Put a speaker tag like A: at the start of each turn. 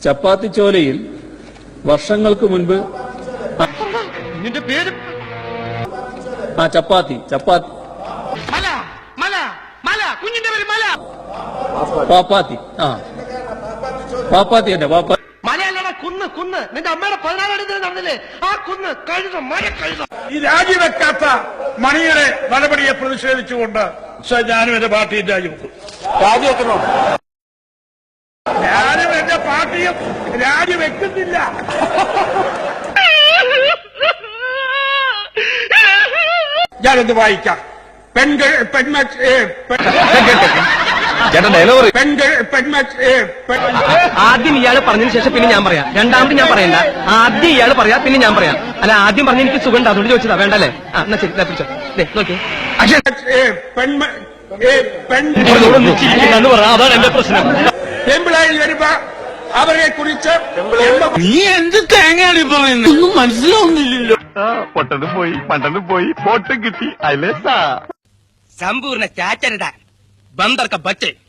A: ചപ്പാത്തിച്ചോലയിൽ വർഷങ്ങൾക്ക് മുൻപ്
B: നിന്റെ പേര്
A: ചപ്പാത്തി
B: മല മല മല കുഞ്ഞിന്റെ പേര് മല
A: പാപ്പാത്തി പാപ്പാത്തി തന്നെ പാപ്പാത്തി
B: മലയല്ലടാ കുന്ന് കുന്ന് നിന്റെ അമ്മയുടെ 16 അടി നടന്നില്ലേ ആ കുന്ന് കഴുത മല കഴുത.
C: ഈ രാജിവെക്കാത്ത മണിയുടെ നടപടിയെ പ്രതിഷേധിച്ചുകൊണ്ട് ഞാനും എന്റെ പാർട്ടിയും രാജിവെക്കും. ഞാനും എന്റെ പാർട്ടിയും രാജിവെക്കുന്നില്ല. ഞാനൊന്ന് വായിക്കാം. പെൺകൾ
D: ആദ്യം ഇയാള് പറഞ്ഞതിന് ശേഷം പിന്നെ ഞാൻ പറയാം. രണ്ടാമത് ഞാൻ പറയണ്ട. ആദ്യം ഇയാള് പറയാ പിന്നെ ഞാൻ പറയാം. അല്ല ആദ്യം പറഞ്ഞ എനിക്ക് സുഖം ഉണ്ട് അതുകൊണ്ട് ചോദിച്ചതാ. വേണ്ടല്ലേ? എന്നാ ശരി പിടിച്ചോ. നോക്കിയേ അതാണ് എന്റെ പ്രശ്നം.
C: പെമ്പിളായി വരുമ്പോ അവരെ കുറിച്ച്
E: നീ എന്ത് തേങ്ങയാണ് പറയുന്നത് ഒന്നും മനസ്സിലാവുന്നില്ലല്ലോ.
F: പണ്ടനും പോയി ഫോട്ടോ കിട്ടി അല്ലേ
D: സമ്പൂർണ്ണ ചാറ്റരുതാ ബന്ദർക്ക ബച്ചേ